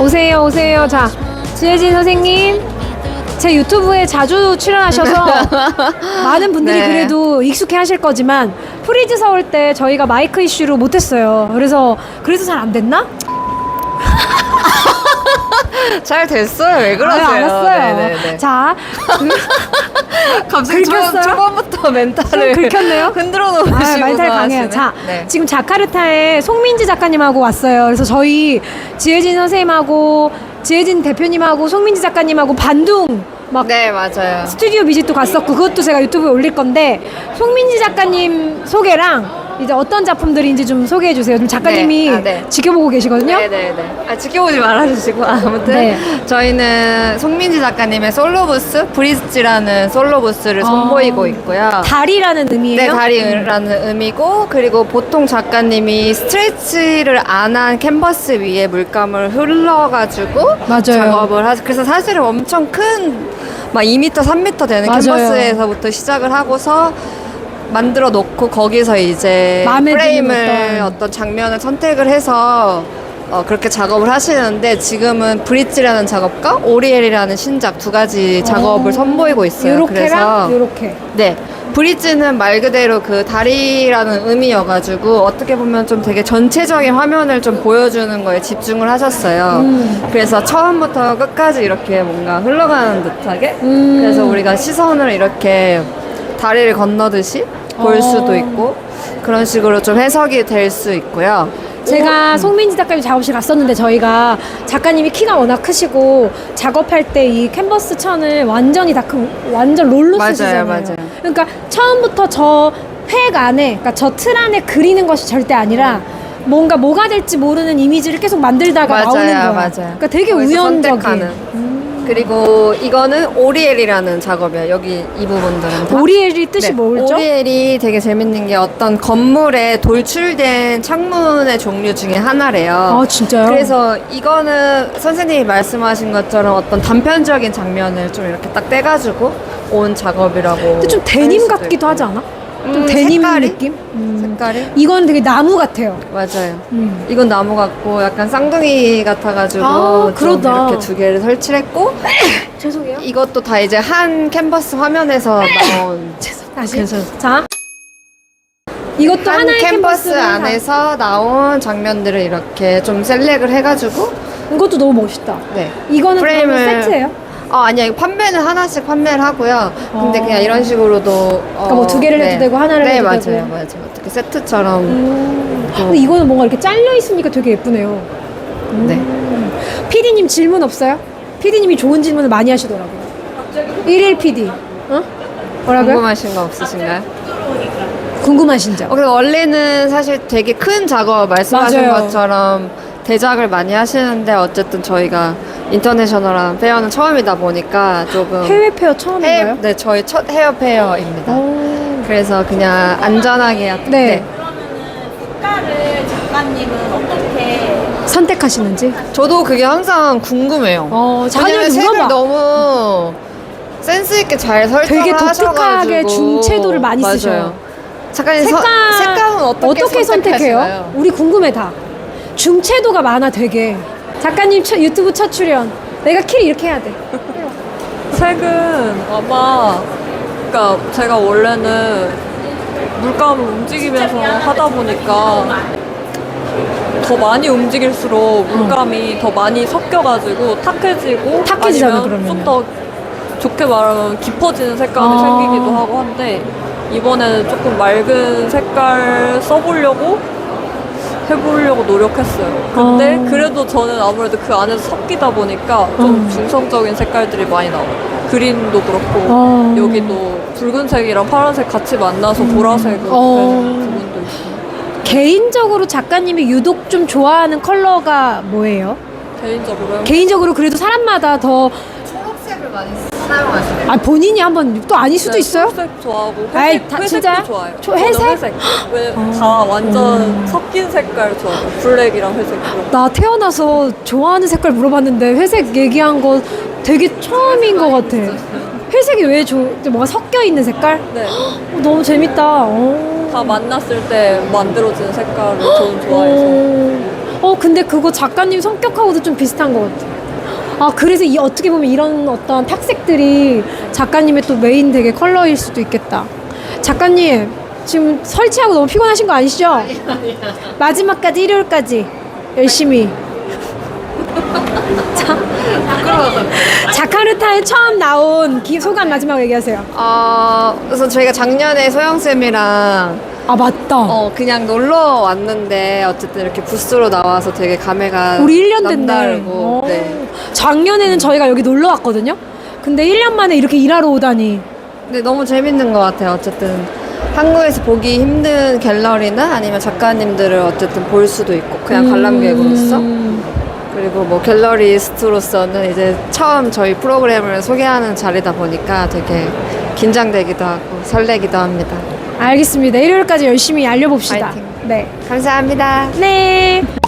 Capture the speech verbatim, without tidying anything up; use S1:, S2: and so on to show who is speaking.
S1: 오세요, 오세요. 자, 지혜진 선생님. 제 유튜브에 자주 출연하셔서 많은 분들이
S2: 네.
S1: 그래도 익숙해 하실 거지만 프리즈 서울 때 저희가 마이크 이슈로 못했어요. 그래서 그래서 잘 안 됐나?
S2: 잘 됐어요. 왜 그러세요?
S1: 아, 알았어요.
S2: 네네네.
S1: 자,
S2: 갑자기 초,
S1: 긁혔어요?
S2: 초반부터 멘탈을
S1: 좀 긁혔네요?
S2: 흔들어
S1: 아,
S2: 놓으시고
S1: 멘탈 강해요. 자,
S2: 네.
S1: 지금 자카르타에 송민지 작가님하고 왔어요. 그래서 저희 지혜진 선생님하고 지혜진 대표님하고 송민지 작가님하고 반둥 막
S2: 네, 맞아요.
S1: 스튜디오 비짓도 갔었고 그것도 제가 유튜브에 올릴 건데 송민지 작가님 소개랑 이제 어떤 작품들인지 좀 소개해 주세요. 좀 작가님이
S2: 네. 아, 네.
S1: 지켜보고 계시거든요.
S2: 네네네. 아, 지켜보지 말아주시고. 아무튼
S1: 네.
S2: 저희는 송민지 작가님의 솔로 부스, 브리즈라는 솔로 부스를
S1: 아.
S2: 선보이고 있고요.
S1: 달이라는 의미예요?
S2: 네, 다리라는 의미고, 그리고 보통 작가님이 스트레치를 안 한 캔버스 위에 물감을 흘러가지고
S1: 맞아요.
S2: 작업을 하죠. 그래서 사실은 엄청 큰, 막 이 미터, 삼 미터 되는
S1: 맞아요.
S2: 캔버스에서부터 시작을 하고서 만들어 놓고 거기서 이제
S1: 마음에 드는
S2: 프레임을
S1: 어떤-
S2: 어떤 장면을 선택을 해서 어, 그렇게 작업을 하시는데 지금은 브릿지라는 작업과 오리엘이라는 신작 두 가지 작업을
S1: 어.
S2: 선보이고 있어요.
S1: 요렇게랑
S2: 그래서
S1: 요렇게.
S2: 네. 브릿지는 말 그대로 그 다리라는 의미여가지고 어떻게 보면 좀 되게 전체적인 화면을 좀 보여주는 거에 집중을 하셨어요.
S1: 음.
S2: 그래서 처음부터 끝까지 이렇게 뭔가 흘러가는 듯하게
S1: 음.
S2: 그래서 우리가 시선을 이렇게 다리를 건너듯이 볼
S1: 어.
S2: 수도 있고 그런 식으로 좀 해석이 될 수 있고요.
S1: 제가 송민지 작가님 작업실 갔었는데 저희가 작가님이 키가 워낙 크시고 작업할 때 이 캔버스 천을 완전히 다 그 완전 롤로
S2: 맞아요,
S1: 쓰시잖아요.
S2: 맞아요.
S1: 그러니까 처음부터 저 획 안에, 그러니까 저 틀 안에 그리는 것이 절대 아니라 뭔가 뭐가 될지 모르는 이미지를 계속 만들다가
S2: 맞아요,
S1: 나오는 거야.
S2: 맞아요.
S1: 그러니까 되게
S2: 거기서
S1: 우연적인.
S2: 선택하는.
S1: 음.
S2: 그리고 이거는 오리엘이라는 작업이에요. 여기 이 부분들은 다.
S1: 오리엘이 뜻이
S2: 네,
S1: 뭐죠?
S2: 오리엘이 되게 재밌는 게 어떤 건물에 돌출된 창문의 종류 중에 하나래요.
S1: 아, 진짜요?
S2: 그래서 이거는 선생님이 말씀하신 것처럼 어떤 단편적인 장면을 좀 이렇게 딱 떼가지고 온 작업이라고.
S1: 근데 좀
S2: 할
S1: 데님
S2: 수도
S1: 같기도
S2: 있고.
S1: 하지 않아? 좀
S2: 음,
S1: 데님
S2: 색깔이?
S1: 느낌? 음.
S2: 색깔이?
S1: 이건 되게 나무 같아요.
S2: 맞아요.
S1: 음.
S2: 이건 나무 같고 약간 쌍둥이 같아가지고
S1: 아,
S2: 좀
S1: 그러다.
S2: 이렇게 두 개를 설치를 했고
S1: 죄송해요.
S2: 이것도 다 이제 한 캔버스 화면에서 나온
S1: 다시.
S2: 그래서
S1: 자. 이것도
S2: 한
S1: 하나의
S2: 캔버스
S1: 캔버스를
S2: 안에서 나온 장면들을 이렇게 좀 셀렉을 해가지고
S1: 다- 이것도 너무 멋있다.
S2: 네
S1: 이거는
S2: 프레임을-
S1: 그러면 세트예요?
S2: 어 아니야 이거 판매는 하나씩 판매를 하고요. 근데
S1: 어.
S2: 그냥 이런 식으로도 어,
S1: 그러니까 뭐두 개를 해도 되고 하나를
S2: 네,
S1: 해도
S2: 맞아요,
S1: 되고.
S2: 맞아요 맞아요 어떻게 세트처럼
S1: 음. 근데 이거는 뭔가 이렇게 잘려 있으니까 되게 예쁘네요.
S2: 네
S1: 피디님 질문 없어요? 피디님이 좋은 질문을 많이 하시더라고요. 일일 피디. 어? 뭐라고요?
S2: 궁금하신 거 없으신가요?
S1: 궁금하신 점.
S2: 어, 근데 원래는 사실 되게 큰 작업 말씀하신
S1: 맞아요.
S2: 것처럼 대작을 많이 하시는데 어쨌든 저희가 인터내셔널한 페어는 처음이다 보니까 조금
S1: 해외 페어 처음인가요?
S2: 해- 네 저희 첫 헤어 페어입니다.
S1: 오.
S2: 그래서 그냥 안전하게 하-
S1: 네.
S3: 색깔을 작가님은 어떻게
S1: 선택하시는지.
S2: 저도 그게 항상 궁금해요.
S1: 어,
S2: 왜냐면
S1: 자녀를
S2: 색을
S1: 물어봐.
S2: 너무 센스 있게 잘 설정을
S1: 되게 독특하게
S2: 하셔가지고.
S1: 중채도를 많이
S2: 맞아요.
S1: 쓰셔요.
S2: 작가님
S1: 색깔
S2: 서, 색감은 어떻게,
S1: 어떻게 선택해요?
S2: 선택하시나요?
S1: 우리 궁금해 다. 중채도가 많아 되게. 작가님 첫, 유튜브 첫 출연. 내가 킬 이렇게 해야 돼.
S4: 색은 아마 그러니까 제가 원래는 물감을 움직이면서 하다 보니까 더 많이 움직일수록 물감이 더 많이 섞여가지고 탁해지고
S1: 탁해지잖아,
S4: 아니면
S1: 그러면은.
S4: 좀 더 좋게 말하면 깊어지는 색감이
S1: 아.
S4: 생기기도 하고 한데 이번에는 조금 맑은 색깔 써보려고 해보려고 노력했어요. 근데
S1: 아.
S4: 그래도 저는 아무래도 그 안에서 섞이다 보니까 좀
S1: 음.
S4: 중성적인 색깔들이 많이 나와요. 그린도 그렇고
S1: 아.
S4: 여기도 붉은색이랑 파란색 같이 만나서 보라색으로
S1: 어.
S4: 되는 부분도 있고
S1: 개인적으로 작가님이 유독 좀 좋아하는 컬러가 뭐예요?
S4: 개인적으로요.
S1: 개인적으로 그래도 사람마다 더
S2: 초록색을 많이 사용하시네요.
S1: 아, 본인이 한번 또 아닐 수도
S4: 네,
S1: 있어요?
S4: 초록색 좋아하고
S1: 아이,
S4: 회색,
S1: 다-
S4: 회색도
S1: 진짜요?
S4: 좋아요.
S1: 초-
S4: 저는
S1: 회색?
S4: 회색. 왜 다 완전 섞인 색깔 좋아해요. 블랙이랑 회색 이런.
S1: 나 태어나서 좋아하는 색깔 물어봤는데 회색 얘기한 거 되게 처음인 것 같아. 회색이 왜 좋, 뭔가 섞여 있는 색깔?
S4: 네.
S1: 어, 너무 재밌다. 어.
S4: 다 만났을 때 만들어지는 색깔을 저는 좋아해서.
S1: 어, 어 근데 그거 작가님 성격하고도 좀 비슷한 것 같아. 아 그래서 이 어떻게 보면 이런 어떤 탁색들이 작가님의 또 메인 되게 컬러일 수도 있겠다. 작가님 지금 설치하고 너무 피곤하신 거 아니시죠? 아니, 아니야. 마지막까지 일요일까지 열심히. 자, 자카르타에 처음 나온 기, 소감 마지막 얘기하세요.
S2: 어, 그래서 저희가 작년에 소영쌤이랑
S1: 아 맞다.
S2: 어, 그냥 놀러 왔는데 어쨌든 이렇게 부스로 나와서 되게 감회가
S1: 우리 일 년 됐네.
S2: 남다르고
S1: 어.
S2: 네.
S1: 작년에는 저희가 여기 놀러 왔거든요. 근데 일 년 만에 이렇게 일하러 오다니.
S2: 근데 너무 재밌는 것 같아요. 어쨌든 한국에서 보기 힘든 갤러리나 아니면 작가님들을 어쨌든 볼 수도 있고 그냥 관람객으로서
S1: 음.
S2: 그리고 뭐 갤러리스트로서는 이제 처음 저희 프로그램을 소개하는 자리다 보니까 되게 긴장되기도 하고 설레기도 합니다.
S1: 알겠습니다. 일요일까지 열심히 알려봅시다.
S2: 파이팅.
S1: 네.
S2: 감사합니다.
S1: 네.